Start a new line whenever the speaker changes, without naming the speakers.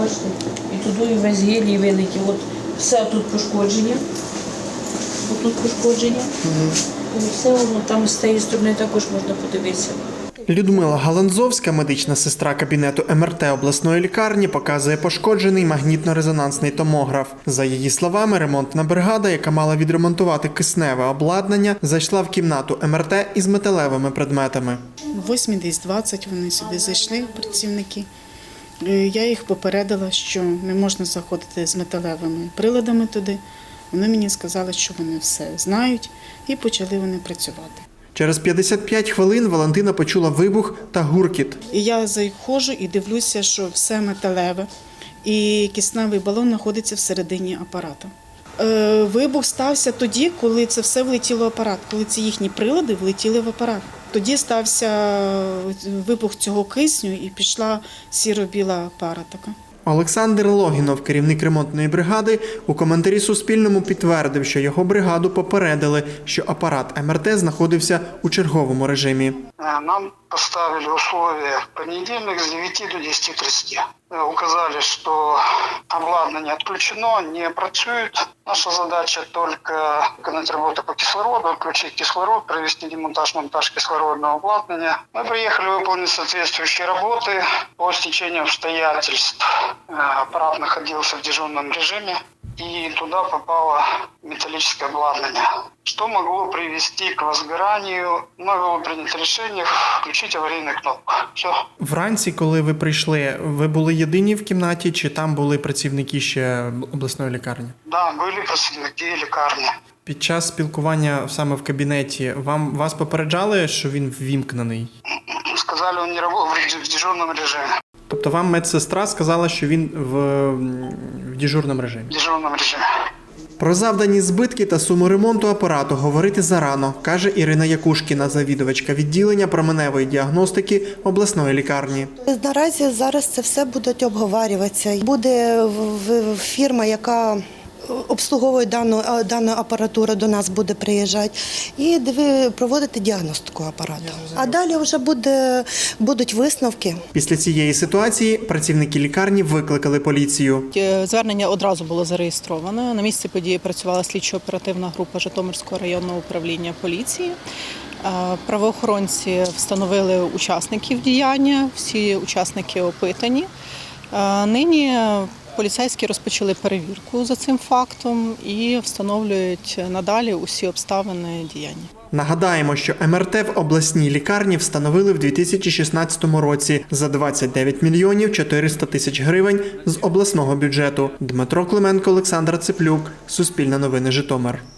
бачите? І туди і весь гелій великий. От все тут пошкодження. Отут пошкодження. І все воно там з тієї сторони також можна подивитися.
Людмила Галанзовська, медична сестра кабінету МРТ обласної лікарні, показує пошкоджений магнітно-резонансний томограф. За її словами, ремонтна бригада, яка мала відремонтувати кисневе обладнання, зайшла в кімнату МРТ із металевими предметами.
8:20 вони сюди зайшли, працівники. Я їх попередила, що не можна заходити з металевими приладами туди. Вони мені сказали, що вони все знають, і почали вони працювати.
Через 55 хвилин Валентина почула вибух та гуркіт.
І я заходжу і дивлюся, що все металеве, і кисневий балон знаходиться всередині апарату. Вибух стався тоді, коли це все влетіло в апарат, коли ці їхні прилади влетіли в апарат. Тоді стався вибух цього кисню і пішла сіро-біла пара така.
Олександр Логінов, керівник ремонтної бригади, у коментарі Суспільному підтвердив, що його бригаду попередили, що апарат МРТ знаходився у черговому режимі.
Нам поставили условия в понедельник с 9 до 10:30. Указали, что обладнание отключено, не працюет. Наша задача только выполнить работу по кислороду, отключить кислород, провести демонтаж-монтаж кислородного обладнания. Мы приехали выполнить соответствующие работы. По стечению обстоятельств аппарат находился в дежурном режиме, и туда попало металлическое обладнание, что могло привести к возгоранию. Мною было принято решение включить аварийную кнопку. Все.
Вранці, коли ви прийшли, ви були єдині в кімнаті, чи там були працівники ще обласної лікарні?
Да, были працівники лікарні.
Під час спілкування саме в кабінеті вас попереджали, що він ввімкнений?
Сказали, он не работает в дежурном режиме.
Тобто вам медсестра сказала, що він в дежурному режимі?
В дежурном режиме.
Про завдані збитки та суму ремонту апарату говорити зарано, каже Ірина Якушкіна, завідувачка відділення променевої діагностики обласної лікарні.
Наразі зараз це все будуть обговорюватися. Буде фірма, яка обслуговує дану апаратуру, до нас буде приїжджати і проводити діагностику апарату. А далі вже будуть висновки.
Після цієї ситуації працівники лікарні викликали поліцію.
Звернення одразу було зареєстровано. На місці події працювала слідчо-оперативна група Житомирського районного управління поліції. Правоохоронці встановили учасників діяння, всі учасники опитані. Нині поліцейські розпочали перевірку за цим фактом і встановлюють надалі усі обставини діяння.
Нагадаємо, що МРТ в обласній лікарні встановили в 2016 році за 29 мільйонів 400 тисяч гривень з обласного бюджету. Дмитро Клименко, Олександр Цеплюк, Суспільне новини, Житомир.